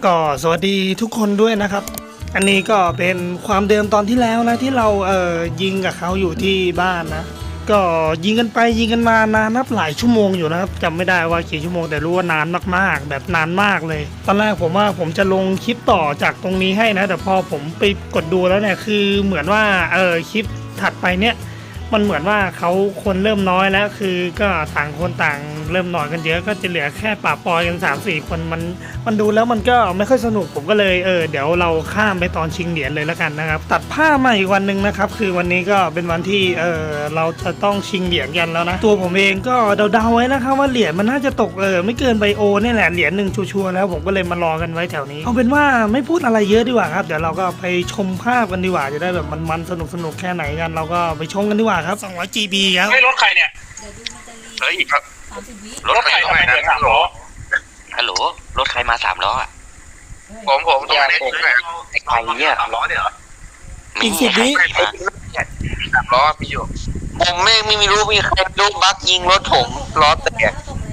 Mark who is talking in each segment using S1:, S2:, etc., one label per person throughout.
S1: ก็สวัสดีทุกคนด้วยนะครับอันนี้ก็เป็นความเดิมตอนที่แล้วนะที่เรายิงกับเขาอยู่ที่บ้านนะก็ยิงกันไปยิงกันมานานนับหลายชั่วโมงอยู่นะครับจำไม่ได้ว่ากี่ชั่วโมงแต่รู้ว่านานมากๆแบบนานมากเลยตอนแรกผมว่าผมจะลงคลิปต่อจากตรงนี้ให้นะแต่พอผมไปกดดูแล้วเนี่ยคือเหมือนว่าคลิปถัดไปเนี่ยมันเหมือนว่าเขาคนเริ่มน้อยแล้วคือก็ต่างคนต่างเริ่มนอนกันเยอะก็จะเหลือแค่ป่าปอยกัน 3-4 คนมันดูแล้วมันก็ไม่ค่อยสนุกผมก็เลยเดี๋ยวเราข้ามไปตอนชิงเหรียญเลยแล้วกันนะครับตัดผ้ามาอีกวันหนึ่งนะครับคือวันนี้ก็เป็นวันที่เราจะต้องชิงเหรียญกันแล้วนะตัวผมเองก็เดาๆไว้นะครับว่าเหรียญมันน่าจะตกไม่เกินไบโอนี่แหละเหรียญหนึ่งชัวร์ๆแล้วผมก็เลยมารอกันไว้แถวนี้เอาเป็นว่าไม่พูดอะไรเยอะดีกว่าครับเดี๋ยวเราก็ไปชมภาพกันดีกว่าจะได้แบบมันสนุกแค่ไหนกันเราก็ไปชมกันดีกว่าครับ200 GB ครับ
S2: ไม่รถใครเนี่ย
S3: เฮ้ยครับ
S2: รถใครทำไมเดิน3 ล้อ
S3: ฮัลโหลรถใครมา3 ล้ออ่ะ
S4: ผมตรงนี้
S3: ไอ้ใครเนี่ย
S4: 3 ล้อเนี่ยเหรอ
S1: อีก10 วิ
S4: 3 ล้อมีอยู่
S3: ผมไม่รู้มีใครลูกบักยิงรถผมล้อแตก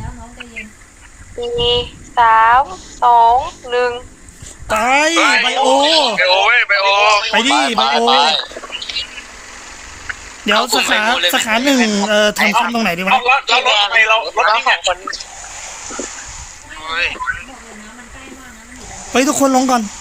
S5: 4 3 2 1
S1: ไปไบโอ
S4: ไปโอ
S1: ไปดิไบโอเดี๋ยวสาขาหนึ่งทำคันตรงไหนดีวะ
S2: เรารถทำไมเรารถนี่เนี่ย
S1: ไปทุกคนลงก่อน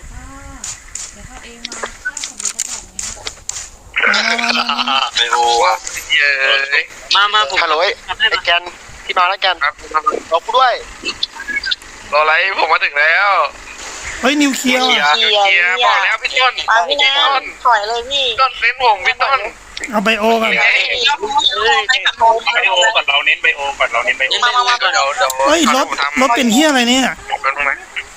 S1: มา
S4: ไปโอเย้ย
S3: มาผมฮัลโหลไอ้แกนที่มาแล้วกัน
S4: ครับ
S3: รอกูด้วย
S4: รออะไรผมมาถึงแล้ว
S1: เฮ้ยนิวเคลียร์
S4: เกียร์บอกแล้วพี่ต้น
S5: มาพี่แนนถอยเลยพี่
S4: ต้นเน้นผมพี่ต้น
S1: เอาไบโอก่อน
S2: ไบโอก่อนเราเน้นไบโอก่อนเราเน้นไบโอ
S5: มาก่อน
S4: เดี๋ยว
S1: เฮ้ยรถเป็นเฮียอะไรเนี่ย
S4: เป็นตรงไหน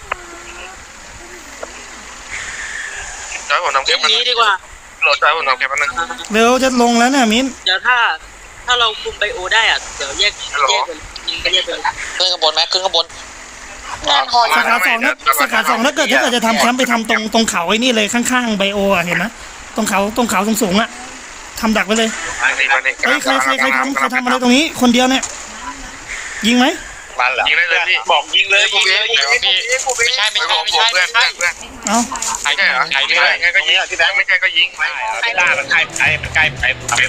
S4: จอยผมทำแค่นี้ดีกว่าโหลดจอยผมทำแค่นึง
S1: เร็วจะลงแล้วเนี่ยมิ้น
S6: เดี๋ยวถ้าเราคุมไบโอได้อ่ะเดี๋ยวแยกกันยิงกันแยกกัน
S3: ขึ้นข้างบนไหมขึ้นข้างบน
S1: สาขาสองถ้าเกิดจะทำแคมป์ไปทำตรงเขาไอ้นี่เลยข้างๆไบโออ่ะเห็นไหมตรงเขาสูงๆอ่ะทำดักไปเลยเฮ้ยใครทำอะไรตรงนี้คนเดียวเนี่ยยิงไหม
S4: มันเหรอยิงได้เลยพี่
S2: บอกยิงเลยยิงเลย
S4: ไม่ใช่เพื่อน
S1: เอ้า
S4: ใช่เหรอใช่ไงก็ยิงที่แบงค์ไม่ใช่ก็ยิง
S2: ไอ้ล่ามันใกล้ไป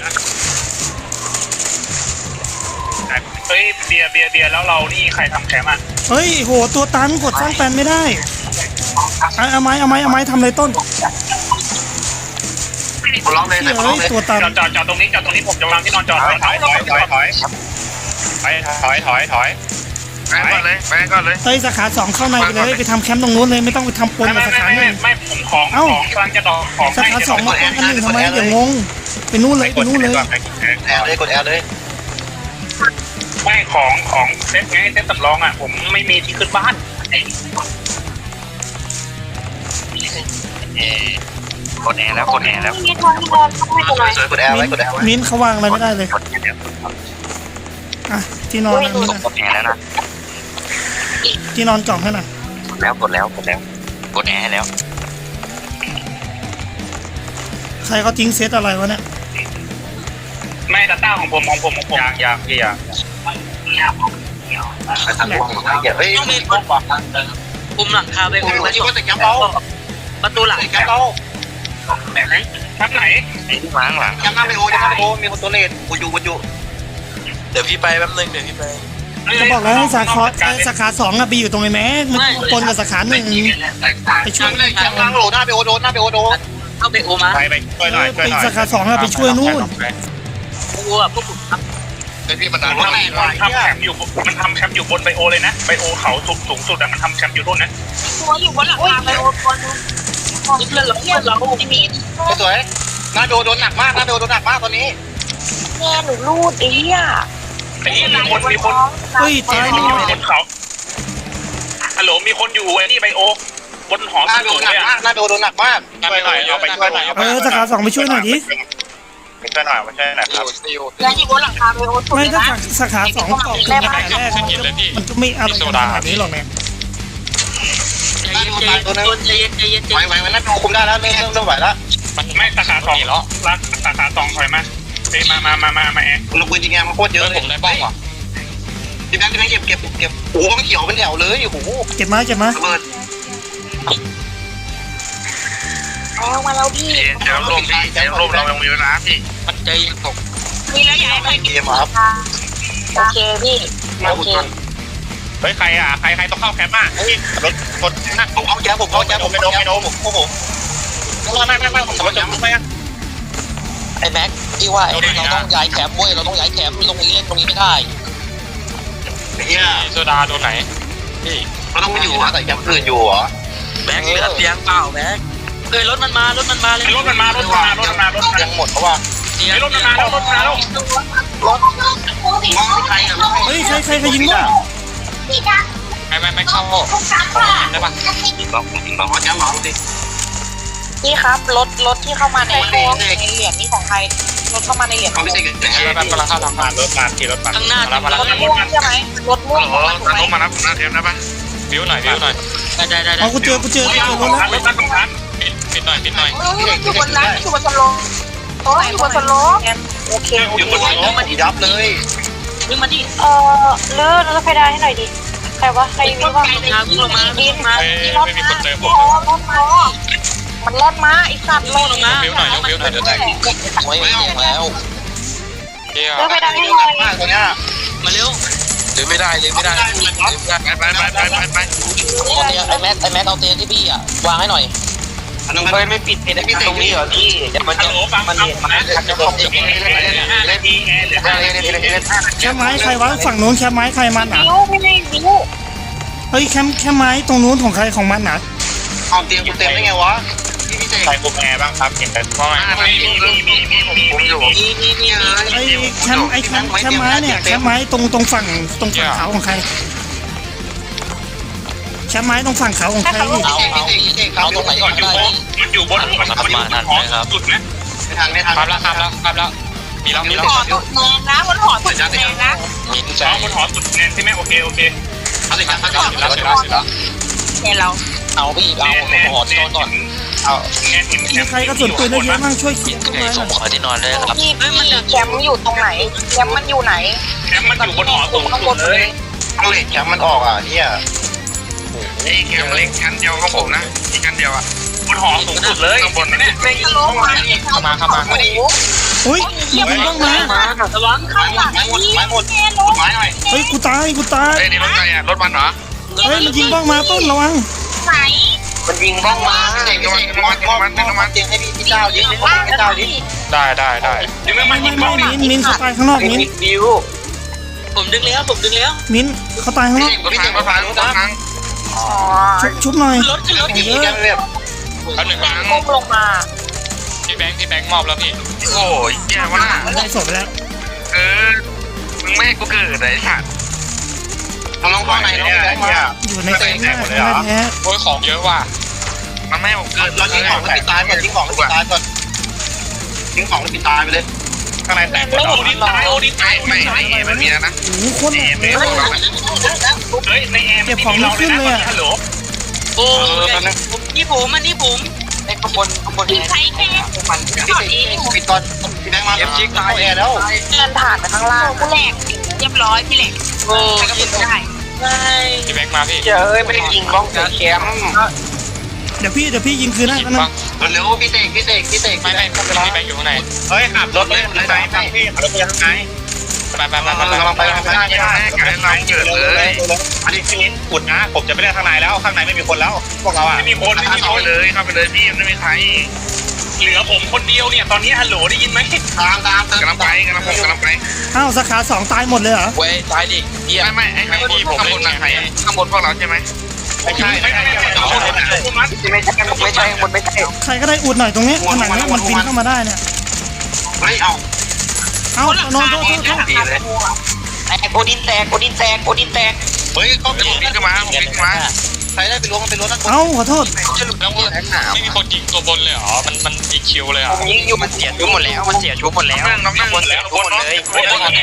S2: เฮ้ยเบียร์แล้วเรานี่ใครทำแคมป์อ่ะ
S1: เฮ้ยโหตัวตันกดสร้างแปลนไม่ได้เอาไม้ทำอะไรต้น
S4: ร้องเลย
S1: เฮ้ยตัวตัน
S2: จอดตรงนี้ผมจะวางที่นอนจอดถอยไปก่อนเลย
S1: เฮ้ยสาขาสองเข้าในไปเลยไปทำแคมป์ตรงนู้นเลยไม่ต้องไปทำปนกับสาขาหนึ่ง
S2: ไม่ผมของกำลังจะดอกของ
S1: สาขาสองมาปนกันหนึ่งทำไมเดี๋ยวงงไปนู่นเลย
S4: แอลเลยกดแอลเลย
S2: ไม่ของเซ็ตไงเซ็ตสำรองอ่ะผมไม่มีที่ขึ้นบ้าน
S3: กดแอร์แล้วกดแอร์แล้ว
S5: พี่ทอนไม่เป็นไร
S4: สวยกดแอลไว้กดแอลไว้
S1: มิ้นเขาวางอะไรไม่ได้เลยอ่ะที่นอนนั่นนี่นะ
S3: กดแอร์แล้วนะ
S1: ที่นอนกล่องให้หน่อย
S3: กดแล้วกดแอร์แล้ว
S1: ใครเขาทิ้งเซตอะไรวะเนี่ย
S2: ไม่ดัตต้าของผมอยาก
S4: เฮ้ย
S6: ต้องมีคนคุมหลังคาไบโอไว้
S4: ยิงว่าแต่แกมเรา
S6: ประตูหลัง
S4: แกมเรา
S2: ทับไหน
S3: ไอ้ที่มาข้างหลัง
S4: แกมหน้าไปโอจะหน้าไปโอมีคนตัวเลนกูอยู่เดี๋ยวพี่ไปแป๊บนึงเดี๋ยวพี่ไป
S1: จะบอกแล้วให้สาขาสองอะไปอยู่ตรงไหนแม้มันปนกับสาขาหนึ่งไปช่วย
S4: แกมล้างโหลหน้าไปโอโดนหน้าไปโอโดน
S6: เข้าไบโอมา
S2: ไปช่วยหน่อย
S1: ไปสาขาสองอะไปช่วยนู่น
S6: ไบโออ่ะพวกผมท
S4: ไอพี่มันนาน
S2: มันทำแคมป์อยู่บนไบโอเลยนะไบโอเขาสูงสุดอะมันทำแคมป์อยู่นู่นนะ
S5: ตัวอยู่บนหลังคาไปโอคน
S6: ำเพื่อนเราที่มี
S4: สวยหน้าไปโอโดนหนักมากหน้าไปโอโดนหนักมากตอนนี้
S5: แม่หนูรูดไอ้เหี้ย
S2: ไอ้มีคน
S1: เฮ้ยตาย
S2: บนเขาฮัลโหลมีคนอยู่ไอ้นี่ไบโอบนหอ
S4: หน้าไป
S2: สู
S4: โอง ห
S2: เล
S4: นัก
S2: ย
S4: มากหน้าไปโอโดนหนักมาก
S2: ไปหน่อยเอาไปช่วยหน่อย
S1: สาขาสองไปช่วยหน่อยดิ
S2: ไปช่วยหน่อยครับ
S5: แล้วอยู่บนหลังคาไปโอสุด
S1: ไม่
S5: เลย
S1: ถ้า
S5: นะ
S1: สาขาสองกล่องตั้งแต่แรกมันก็ไม่อะไรขนาดนี้หรอกเนี่ย
S6: ใจเย็น
S4: ไหวหน้าไปโอคุมได้แล้วเริ่มไหวแล้ว
S2: ไม่สาขาสองรักสาขาสองถอยมาเฮ้ยมาแอร์
S4: คุณปืนยิงแงมันโคตรเยอะเลยผมได้บ้องว่ะพี่แบงค์เก็บโอ้โหมันเขียวเป็นแถวเลยโอ้โห
S1: เก็บมา
S4: ระเบิด
S5: เอามาแล้วพี่
S4: เดี๋ยวรวมพี่เดี๋ยวรวมเรายังมีเวลาพี่
S6: มันใจตก
S5: มีแล้วอยากให้ใครกินโอเคพี่โอเค
S2: เฮ้ยใครอ่ะใครต้องเข้าแคมป์อ่ะเฮ้ยรถกดนะผมเอาแจ๊บผมไม่โดนผมโอ้โหไม่ผมจะจบไปอ่ะ
S3: ไอ้แม็กที่ว่าเราต้องย้ายแคมป์เว้ยเราต้องย้ายแคมป์ตรงนี้เล่นตรงนี้ไม่ได้
S4: เนี่ยโซดาโดนไหนพี่เราต้องมาอยู่แต่ยังอื่นอยู่เหรอ
S6: แบงค์เหลือเตียงเปล่าแบงค์เอ้ยรถมันมาเลย
S4: ยังหมดเพราะว่า
S6: เตียง
S2: รถมาแล้ว
S4: ใครอ่ะ
S1: เฮ้ยใครยิงบ้าง
S4: ไม่เข้าได้ปะยิงบล็อกแจ๊บหมอดิ
S5: พี่ครับรถที่เข้ามาในเหรียญนี่ของใครรถเข้ามาในเหรียญ
S4: เขาไม่ใช่กันแต่กำลังเข้าทางผ่านรถมาขี่รถมา
S6: ข้างหน้าร
S5: ถม่วงใช่ไหมรถม่วง
S4: โอ้โหน้องมารับผมหน้าเทมได้ปะวิวหน่อย
S6: ได้
S1: เอากูเจอรถแล้ว
S4: ปิดหน่อย
S5: อยู่บนนั้นอยู่บนสโลอยู่บนสโลโอเค
S4: อยู่บนรถมันยับเลย
S6: วิ่งมาดิ
S5: ลื่นแล้วไฟได้ให้หน่อยดิใครวะใครวิ่งว่า
S6: วิ่งลงมาวิ่งลงมา
S4: ไม่มีคนเติมผม
S5: มันรอดมาไอ้สัตว์
S6: วิ่งลงมา
S4: วิวหน่อยเดี๋ยวแตก
S3: ไม่เสียงแล้ว
S4: เที่ยว
S5: ลื่นไฟได้ให้หน่อย
S4: มากตัวเนี้ย
S6: มาเร็ว
S4: เลยไม่ได้ไปไอ้
S3: แม็กเอาเตียงที่พี่อ่ะวางให้หน่อย
S4: เฮ้ยไม่ปิดไอ้พี่ตรงนี้เหรอพี่เดี๋ยวมันจะมันเห็นมาจะบอกจะเล่นดีเล่น
S1: แคมป์ไม้ใครวะฝั่งนู้นแคมป์ไม้ใครมันอ่ะ
S5: วิวไม่ได้วิว
S1: เฮ้ยแคมป์ไม้ตรงนู้นของใครของมันอ่ะ
S4: เอาเตียงกูเต็มได้ไงวะพี่เจใครคุมแอร์บ้างครับเห็นแต่ว่ามีผมอยู่
S6: มี
S1: ไอ้แคมป์ไม้เนี่ยแคมป์ไม้ตรงฝั่งเขาของใครแคมป์ไม้ตรงฝั่งเขาของใคร
S3: เอาตรงไหนก่อนได้
S2: มันอยู่บนสุดนะ
S4: ไม่ทันครับแล้วมีแล้ว
S5: หอสุดแมนนะบนหอสุดแมนนะ
S4: มีใจ
S2: บนหอสุดแน่ใช่ไหมโอเค
S4: เขาสิครับเขาเสร็จแล้ว
S5: เนี่ยเรา
S3: เอาพี่เอาหอที่นอนก่อน
S4: เอา
S1: มีใครกระสุนปืนได้เยอะมั่งช่วยเคลียร์ต้นไม้หน่อย
S3: ขอที่นอนเลยครับ
S5: พี่แคมป์อยู่ตรงไหนแคมป์มันอยู่ไหน
S2: แคมป์มันอยู่บนหอสูง
S5: ข้างบ
S2: สุ
S5: น
S2: ดเลย
S4: เอาเหล็กแคมมันออกอ่ะเนี่ยไอ้แคมเล็กชั้นเดียวของผมนะที่ชั้นเดียวอ่ะ
S2: บนหอสูงสุดเลย
S4: ข้างบนเนี่ย
S5: ไม่ทะลุมาเข้ามา
S1: เฮ้ยยิงบ้างมา
S6: ระวัง
S5: ข้างหลังนี่แน่รถ
S4: ไม้หน่อย
S1: เฮ้ยกูตาย
S4: เฮ้ยนี่รถใครอ่ะรถมันเหรอ
S1: เฮ้ยมันยิงบ้างมาต้นระวัง
S5: ไหน
S4: มันยิงบ้องมาเด็กมันเตียงให้พี่เจ้ายิงให้พี่เจ้าดิได้
S2: ถึงแม้มันยิงบ้อง
S1: มิ้นเขาตายข้างนอกมิ้น
S4: บิว
S6: ผมดึงแล้ว
S1: มิ้นเขาตายข้างนอก
S4: พี่เจ๋งมาพาลูกทั้ง
S5: อ๋อ
S1: ชุบหน่อย
S6: รถขึ้นรถ
S4: พี่แกเรียบเอาหนึ่งครั้ง
S5: ก้มลงมา
S4: พี่แบงค์มอบแล้วพี่โอ้ยแย่วะน่ะ
S1: ได้ศพไปแล้ว
S4: มึงไม่ให้กูเกิดไอ้สัตว์มันลงข้างในน้องแบงค์เนี่ย
S1: อยู่ในแก๊งหน้าแท้
S4: โอ้ยของเยอะว่ะมันไม่ให้ผมเกิดเราทิ้งของแล้วปิดตายก่อนทิ้งของแล้วปิดตายก่อนทิ้งของแล้วปิดตายไปเลยข้างในแตกหมดแล้วไม่มันมีแล้วนะ
S1: โอ้โหโคตรหนักเลย
S2: เฮ้ยในแอร์ฮัลโหล
S6: โอ้นี่ผมอันนี้ผม
S4: ไอ้ข้างบน
S5: ใช้แค่
S4: มันปิดตอนพี่แบงค์มาชิคตายแอร์แล้ว
S5: เดินผ่านไปข้างล่างกูแหลกเรียบร้อยพี่แหลก
S6: โอ้
S5: ใช้กระสุนได้
S6: ใช่
S4: พี่แบงค์มาพี่เอ้ยไม่ได้ยิงบ้องแคม
S1: เดี๋ยวพี่ยิงคืนให้กันนะ
S4: เร็วพี่เสกไม่พี่แบงค์อยู่ข้างในเฮ้ยขับรถเลยไปทางพี่ขับรถไปทางไหนไปกำลังไปทางไหนเราเกิดเลยอันนี้พี่มิ้นขุดนะผมจะไม่ได้ข้างในแล้วข้างในไม่มีคนแล้วพวกเราอ่ะไม่มีคนเข้าไปเลยพี่ไม่มีใคร
S2: เหลือผมคนเดียวเนี่ยตอนนี้ฮัลโหลได้ยินไหม
S4: ตามกำลังไป
S1: อ้าวสาขา2ตายหมดเลยเหรอ
S3: เว้ยตายดิ
S4: ไม่ไอ้ข้างบนผมเล่นใครข้างบนพวกเราใช่ไหมไม่ใช่
S1: ใครก็ได้อุดหน่อยตรงนี้ผนังนี้มันบินเข้ามาได้เนี่ย
S4: ไม่เอา
S1: เอ้านอนโทษ
S4: ดีเลย
S3: แตกโอดินแตก
S4: เฮ้ยเขาเป็นผมมาใครได้ไปล้วงมันเป็นรถนะ
S1: เอ้าขอโทษ
S4: จะหลุดแล้วว่าแข็งหนาวไม่มีคนยิงตัวบนเลยเหรอมันยิงคิวเลยเหรอยิงอยู่มันเสียชุบหมดแล้วนั่งบนแล้วบนเลยไป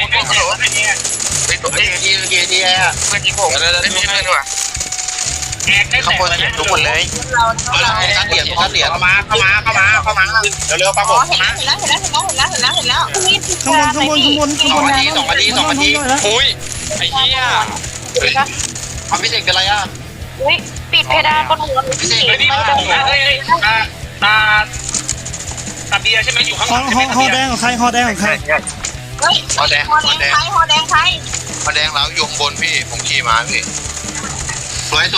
S4: ตัวทีแอร์เพื่อนยิงผมไม่ใช่เพื่อนด้วยข้างบนเสียชุบหมดเลยการเหรียญเข้ามาเร็วๆปังผม
S5: เห็นแล้ว
S1: ข้างบน
S4: 2 นาที
S1: แล้ว
S4: อุ้ยไอ้เหี้ยความพิเศษเป็นไรอ่ะ
S5: อุ้ยปิดเพดานบนหัวพี่
S4: เฮ้ยนี่ผมนะเฮ้ยตาเบียร์ใช่ไหมอยู่ข้างห
S1: ฮ
S4: ลั
S1: อง ฮอแดงของใครฮอแดงของใคร
S5: เฮ้ยฮอแดงไทยฮอแดงไทย
S2: มาแดงแล้วยงบนพี่ผมขี่ม้าพี่สวย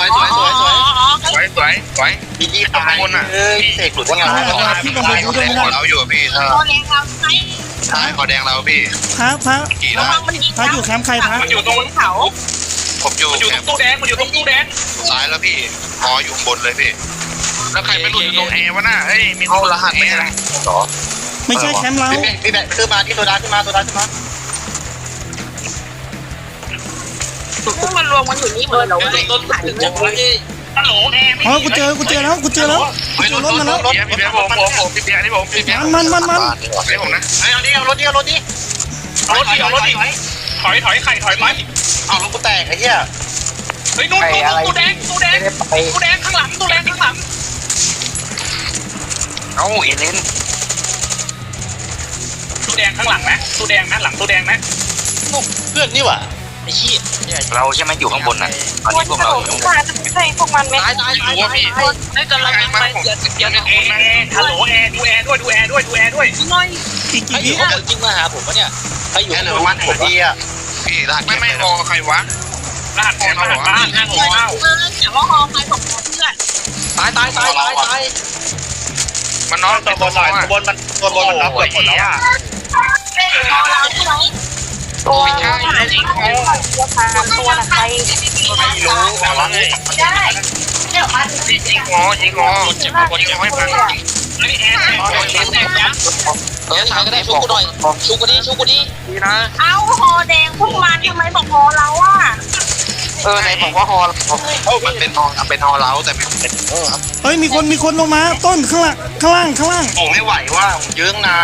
S4: พี่ยี่ตายคนอ่ะพี่เสกหลุดว่าไง
S1: พี่กับผมดูด้วยไม่ได้
S2: เราอยู่พี่
S5: ฮอแดงเราไทย
S2: ใช่ขอแดงเราพี่
S1: พระ
S2: ขี่
S5: ระ
S2: ได้
S5: วังมันยิง
S1: พระอยู่แคมป์ใครพระ
S4: มันอยู่ตรง
S5: เขา
S2: ผมอยู่
S4: มันอยู่ตรงตู้แดงมันอยู่ตรงตู้แดง
S2: ซ้ายแล้วพี่หออยู่บนเลยพี่
S4: แล้วใครไปหลุดอยู่ตรงแอร์วะน่ะเฮ้ยมี
S2: เอารหัสไม่ได้หรอ
S1: ไม่ใช่แคมป์เรา
S2: พี่แบกขึ้นมาที่ตัวดาขึ้นมา
S5: พวกมันรวมกันอยู่นี่หมดเลยเราเลยต้นถ่ายจังเลย
S4: ฮัลโหลแอร์
S1: อ๋อกูเจอแล้วกูเจอแล้วรถมาแล้ว
S4: พี่เบียร์ผมพี่เบียร์นี่ผมพี่เบียร์
S1: มัน
S4: นี่ผมนะเอาดิเอารถดิถอยไข่ถอยไป
S2: เอารถกูแตกไอ้เหี้ย
S4: เฮ้ยนู่นตู้แดงข้างหลังตู้แดงข้างหลัง
S3: เอาเอเลน
S4: ตู้แดงข้างหลังนะตู้แดงนะหลังตู้แดงนะ
S2: เพื่อนนี่หว่าไอ้ขี้
S3: เราใช่ไหมอยู่ข้างบนน่ะตอนนี้พวกเราอยู่
S5: ใช่พวกมันไหม
S6: ตายให้กำลังไปเดี๋ยว
S4: แอร์ฮัลโหลแอร์ดูแอร์ด้วย
S5: น้อย
S1: อีกกี่วิ
S6: จริงมาหาผมปะเนี่ยใครอยู่
S2: แค่เหลือวันผมพี่อ่ะพี่รหัส
S4: ไม่รอใครวะรหัสบ้าน569
S5: แต่ว่าฮอใครของเพื่อน
S6: ตาย
S4: มันนอนตัวบนมันรับเกือบหมดแล้วอ่ะ
S5: เป็นฮอเราใช่ไหมตัวตัวใคร
S4: ไม่รู้แต่ว่าไง
S5: ได้เดี๋ยวมา
S4: ยิงงอเจ็บคนยังไม่พังเฮ้ยแอร์แตกยักษ์
S3: ใครก็ได้ชุบกูหน่อยชุบกูดิ
S4: ดีนะ
S5: เอาฮอแดงพวกมันทำไมบอกฮอเราอ่ะ
S3: ไหนบอกว่าฮอ
S2: มันเป็นฮอเล้าแต่เป็น
S1: เฮ้ยมีคนลงมาต้นข้างล่าง
S2: ผมไม่ไหวว่าผมยื้อนาน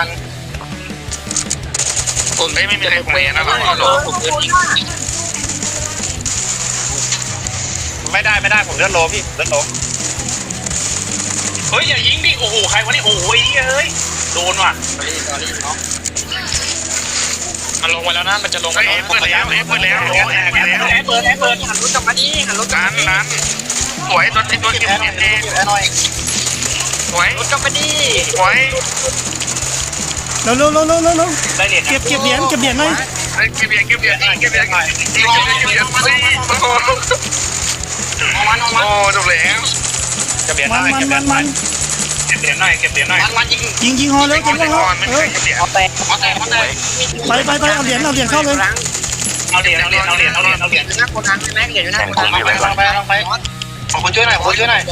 S4: ผมไม่มีใครคุยนะหรอไม่ได้ผมเลื่อนโลพี่เลื่อนโลเฮ้ยอย่ายิงดิโอ้โหใครวะนี่โอ้ยเอ้ยโดนว่ะมันลงไปแล้วนะมันจะลงไปเปิดแล้วเปิดแล้วหันรถกลับมาดิหันรถนั้นสวยตัวเก็บเอง
S2: หน่อย
S4: สวยรถกลับมาดิสวย
S1: เร็ว
S4: ได้เหรียญ
S1: เก็บเหรียญหน่อย
S4: เก็บเหรียญมาดิโอ้จบแล้วเก็บเหรียญ
S1: มัน
S4: เก็บเหรียญหน่อยมัน
S1: ยิงฮอเลยยิงฮอ
S4: ไม่
S1: เอ
S4: ใช่
S1: อ
S4: เก็บเหรียญ
S5: เอาแตก
S1: ไปเอาเหรียญเข้าเลย
S4: เอาเหรียญ
S5: หน้าโกดังใช่ไหมเดี๋ยวอยู่หน้าโกดัง
S2: ไปขอคนช่วยหน่อย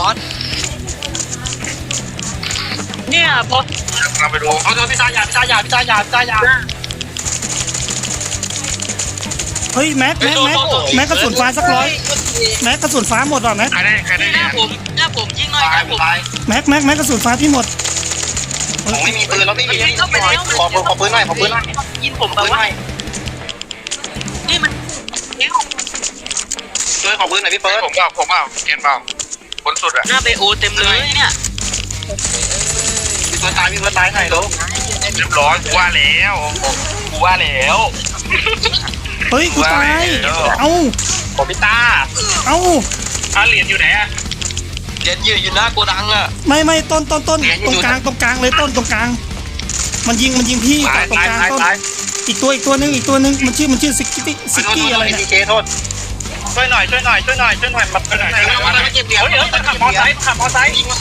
S6: เนี่ยพอ
S4: เราไปดูเอาตัวพี่ตายา
S1: เฮ้ยแม็กกระสุนฟ้าสัก100แม็กกระสุนฟ้าหมดว่ะแม็ก
S4: ใครได้
S6: หน้าผมยิงหน่อยครับผม
S1: แม็กกระสุนฟ้าพี่หมด
S2: ผมไม่มีปืนแล้วไม่มีขอปืนหน่อย
S6: ยิงผมแบบว่านี่มัน
S2: ช่วยขอปืนหน่อยพี่เฟิร์ส
S4: ผมเปล่าเกณฑ์เปล่าคนสุดอะ
S6: หน้าเบโอเต็มเลยเนี่ย
S2: พี่เฟิร์สตายหน่อยลูก
S4: เรียบร้อยกูว่าแล้ว
S1: เฮ้ยกูตายเอ้า
S4: ผมพี่ตา
S1: เอ้า
S4: เหรียญอยู่ไหนอะ
S3: เหรียญอยู่หน้าโกดังอ่ะ
S1: ไม่ต้นตรงกลางเลยต้นตรงกลางมันยิงพี่ตรงกลางต้นอีกตัวนึงมันชื่อซิกกี้อะไรเนี่ย
S2: ดีเจโทษช่วยหน่อยมาช่วยหน่อย
S4: เดี๋ยวขับมอไซค์ยิง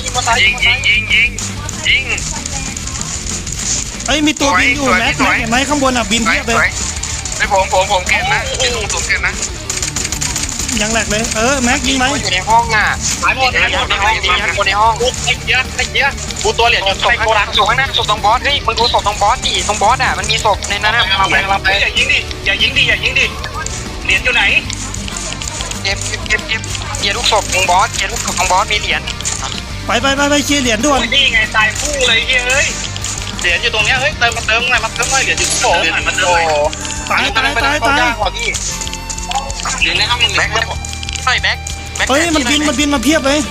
S1: เอ้ยมีตัวบินอยู่แม็กเห็นไหมข้างบนอ่ะบินเพียบเลย
S4: ไอ้ผมเกณฑ์นะเป็นสูงเกณฑ์นะ
S1: ยังแหลกเลยแม็กยิงไหม
S3: อยู่ในห้องอ่ะ
S4: หายหมด
S3: คนในห้อง
S4: ไอ้เยอะกูตัวเหรียญอยู่
S3: ศพข้างหลังศพข้างหน้าศพตรงบอสเฮ้ยมึงดูศพตรงบอสดิตรงบอสอ่ะมันมีศพในนั้นนะ
S4: อย่ายิงดิเหรียญอยู่ไหน
S3: เก็บเกียร์ลูกศพตรงบอสมีเหรียญ
S1: ไปเคลียร์เหรียญด่วน
S4: นี่ไงตายคู่เลยเฮ้ยเหรียญอยู่ตรงเนี้ยเฮ้ยเติมหน่อยเหรียญอยู่โอ้มันเติม
S1: ตาย
S2: เหรียญในห้องแม็ก
S3: แบ็ค
S1: เฮ้ยมันบินมาเพียบเลย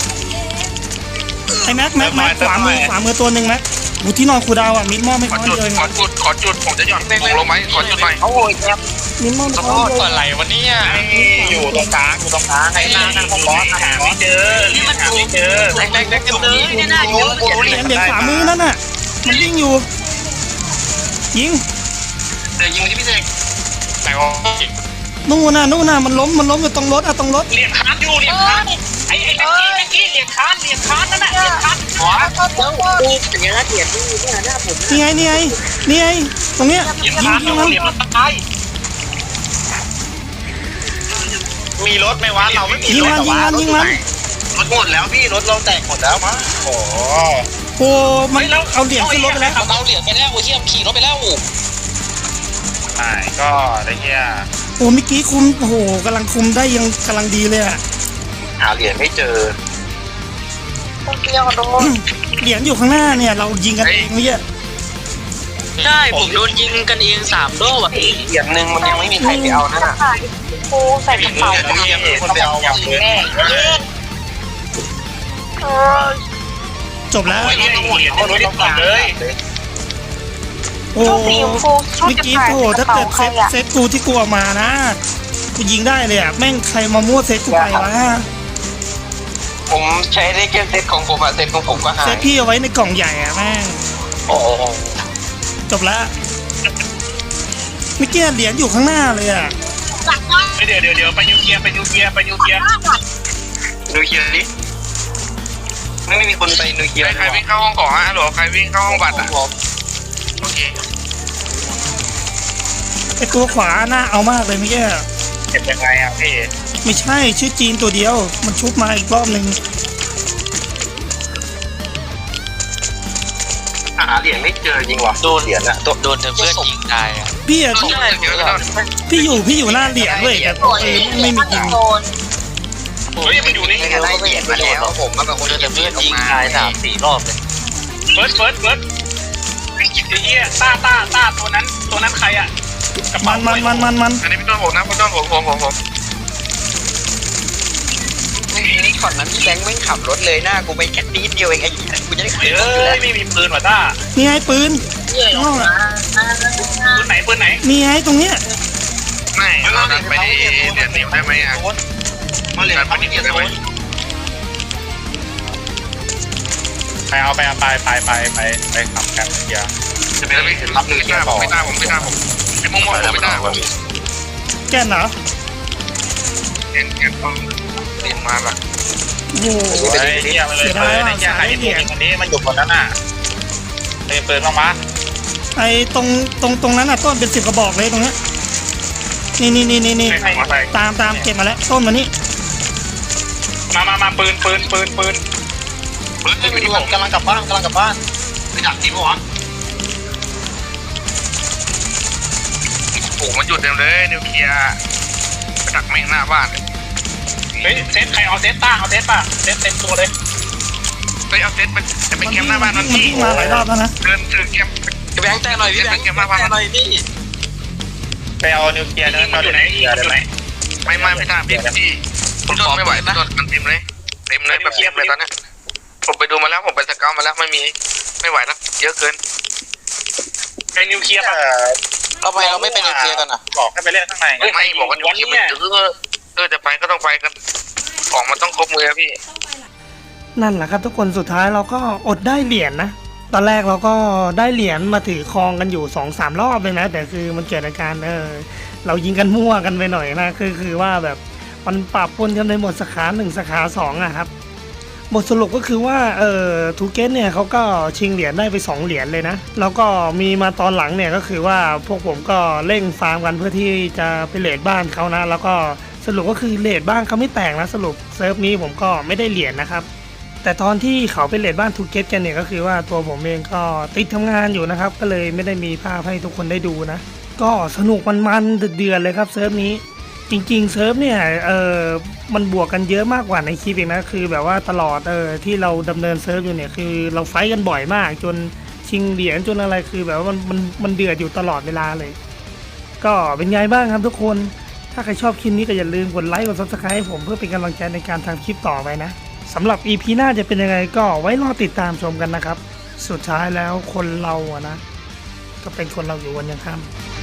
S1: ไอ้แม็กขวามือตัวหนึ่งแม็กที่นอนคูดาวอ่ะมิดมอบให้เขาเลย
S4: ขอจุดผมจะหย่อนลงไหมขอจุดหน่อย
S3: โอ้ยแก
S1: นิมมอน
S3: ขอโทษก่อนไหลวันนี้
S2: อยู่ตรงกลางไอ้หน้าของบอสหาไม่เจอหาไม่เจอ
S3: แรงๆ
S6: เลยเนี่ยน่าเยอะ
S1: เหรียญขวามือนั่นน่ะมันยิงอยู่ยิง
S4: เดี๋ยวยิงที่พี่เสก
S2: ไหนวะ
S1: นู่นน่ะมันล้มอยู่ตรงรถตรงรถ
S2: เหรียญค้านอยู่เหรียญค้านไอ้แม็กกี้เหรียญค้านนั่นน่ะเหรียญค้านหัว
S6: ดูเป็นยังไงเถียนดูเนี่ยหน้าผม
S1: นี่ไงตรงเนี้ย
S2: เหรียญ
S1: ยิ
S2: ค้าน
S1: ง
S2: อยู่
S1: มัน
S2: เหรียญมันตายมีรถไหมวะเราไม่มี
S1: ยิง
S2: รถ
S1: มัน
S4: รถหมดแล้วพี่รถเราแตกหมดแล้วมั้ง
S2: โอ้
S1: โอ้มันเอาเหรียญขึ้นรถไปแล้ว
S3: เอาเหรียญไปแล้วโอ้เทียมขี่รถไปแล้ว
S2: ใช่ก็ได้เงี้ย
S1: โอ้เมื่อกี้คุมโอ้โหกำลังคุมได้ยังกำลังดีเลยอะ
S4: หาเหรียญไม่เจอ
S5: คนเดียวโดน
S1: เหรียญอยู่ข้างหน้าเนี่ยเรายิงกันเองเมื่อกี้
S6: ใช่ผมโดนยิงกันเอง3 รอบอ่ะ
S4: เหรียญหนึ่งมันยังไม่มีใครไปเอานั่นน่ะ
S5: กูใส่กระเป๋า
S4: คนไปเอาอย่างเลย
S5: แม่เออ
S1: จบแล้ว
S2: โอ้ยต้องหมดเอารถก่อนเลย
S1: โอ้
S5: ชุดสีชมพูชุด
S1: เมื่อ
S5: จะ
S1: กี้
S5: ถ่าย
S1: โอ้
S5: ก
S1: ถ้า
S5: ระเป๋า
S1: เกิด
S5: ใครอะ
S1: เซตกูที่กูเอามานะกูยิงได้เลยอะแม่งใครมามั่วเซตกูไปวะ
S3: ผมใช้ได้แค่เซตของผมอะเซตของผมก็หา
S1: เซ
S3: ย
S1: ตพี่เอาไว้ในกล่องใหญ่อะแม่ง
S3: โอ้โห
S1: จบแล้วเมื่อกี้เหรียญอยู่ข้างหน้าเลยอะ
S2: เดี๋ยวไปยูเกียร์
S4: ดูเคลียร์ดิไม่มีคนไปดูเคลียร์
S2: ใครวิ่งเข้าห้องก่อนฮะหรอใครวิ่งเข้าห้องบัตรอ่ะโอเค
S1: ไอตัวขวาหน้าเอามากเลยเมื่อกี้
S2: เก็บยังไงอ่ะพี่
S1: ไม่ใช่ชื่อจีนตัวเดียวมันชุบมาอีกรอบหนึ่ง
S4: หาเหรียญไม่เจอจริงว่ะโดนเหรียญอะตัว
S3: โดนเพื่อนยิงตายอะ
S1: พี่อะ
S3: ใช่
S1: พี่อยู่หน้าเหรียญเลยแต่ไม่มียิง
S5: โดน
S2: เฮ้ยมันอยู่นี่
S4: ไม่ได้เหรียญมาแล้วผมมาเป็นคน
S3: โดน
S4: จะ
S3: เพื่
S4: เพื่
S3: อ
S4: อน น
S3: ยิ
S4: ยิ
S3: ง
S4: ง
S3: ตาย3-4 รอบเลย
S2: เฟิร์สไอ้เหี้ยต้าตัวนั้นใครอ่ะ
S1: มัน
S2: อันนี้พี่ต้นผมนะพี่ต้นผม
S4: นี่ก่อนนั้นพี่แบงค์ไม่ขับรถเลยหน้ากูไปแค่นิดเดียวเองไอ้กูจะได้ขับรถอยู่แล้ว
S2: ไม่มีปืนว่ะต้า
S1: นี่ไงปืน
S5: เยื่อ
S1: ข้างนอกอะ
S2: ปืนไหน
S1: นี่ไงตรงเนี้ย
S2: ไม่เราดันไปที่เดือนนิ้วได้ไหมอ่ะ
S4: มาเหรียญเขาไม่เกี่ยวได้ไหม
S2: ไปเอาไปขับแคมเกียร์
S4: จะไม่รับหนึ่งเกียร์บอก
S2: ไม่ได้ผมไอ้ม่วงผมไม่ได้
S1: แกนเหรอ
S2: เอ็นต้องเรียนมาละ
S1: โอ้โห
S2: ไอ้เหี้ยมาเลยไอ้เหี้ยใครที่พูดคนนี้มันอยู่คนนั้นน่ะเป็นปืนบ้างมะ
S1: ไอ้ตรงนั้นอ่ะต้นเป็น10 กระบอกเลยตรงเนี้ยนี่ตามเก็บมาแล้วต้นมานี่
S2: มาปืน
S4: เฮ้ยผมกำลังกลับบ้านไปดักทีมวะ
S2: โอ้มันหยุดเต็มเลยนิวเคลียร์ไปดักแม่งหน้าบ้านเฮ้ยเซตใครเอาเซตต้าเอาเซตป่ะเซตเต็มตัวเลยเฮ้ยเอาเซตไปจะไปแคมป์หน้าบ้านมัน
S1: วิ่งมาหลายรอบแล้วนะ
S2: เดินถือแคมป์
S3: แบงค์แต่หน่อยพี่แบงค์แต่หน่อยพี่
S2: ไปเอานิวเคลียร์นะอยู่ไหนไม่ทราบพี่ต้นไม่ไหวต้นมันเต็มเลยแบบเต็มเลยตอนนี้ผมไปดูมาแล้วผมไปสเกลมาแล้วไม่ไหวแล้วเยอะเกินไปนิวเคลียร์ป่ะ
S3: เราไม่เป็นนิวเคลียร์กันอ่ะ
S2: บอกให้ไปเล่นข้างในไม่บอกว่านิวเคลียร์มันจะไปก็ต้องไปกันของมันต้องครบมือพี่
S1: นั่นแหละครับทุกคนสุดท้ายเราก็อดได้เหรียญนะตอนแรกเราก็ได้เหรียญมาถือครองกันอยู่ 2-3 รอบเลยนะแต่คือมันเกิดอาการเรายิงกันมั่วกันไปหน่อยนะคือว่าแบบมันปรับปนกันในหมดสาขา1สาขา2อะครับบทสรุปก็คือว่าทูเกตเนี่ยเขาก็ชิงเหรียญได้ไป2เหรียญเลยนะแล้วก็มีมาตอนหลังเนี่ยก็คือว่าพวกผมก็เร่งฟาร์มกันเพื่อที่จะไปเรทบ้านเขานะแล้วก็สรุปก็คือเรทบ้านเขาไม่แตกนะสรุปเซิร์ฟนี้ผมก็ไม่ได้เหรียญนะครับแต่ตอนที่เขาไปเรทบ้านทูเกตกันเนี่ยก็คือว่าตัวผมเองก็ติดทำงานอยู่นะครับก็เลยไม่ได้มีภาพให้ทุกคนได้ดูนะก็สนุกมันเดือดเลยครับเซิร์ฟนี้จริงๆเซิร์ฟเนี่ยมันบวกกันเยอะมากกว่าในคลิปอีกนะคือแบบว่าตลอดที่เราดำเนินเซิร์ฟอยู่เนี่ยคือเราไฟท์กันบ่อยมากจนชิงเหรียญจนอะไรคือแบบว่ามันเดือดอยู่ตลอดเวลาเลยก็เป็นไงบ้างครับทุกคนถ้าใครชอบคลิปนี้ก็อย่าลืมกดไลค์กด Subscribe ให้ผมเพื่อเป็นกำลังใจในการทำคลิปต่อไปนะสำหรับ EP หน้าจะเป็นยังไงก็ไว้รอติดตามชมกันนะครับสุดท้ายแล้วคนเราอะนะก็เป็นคนเราอยู่วันยังค่ำ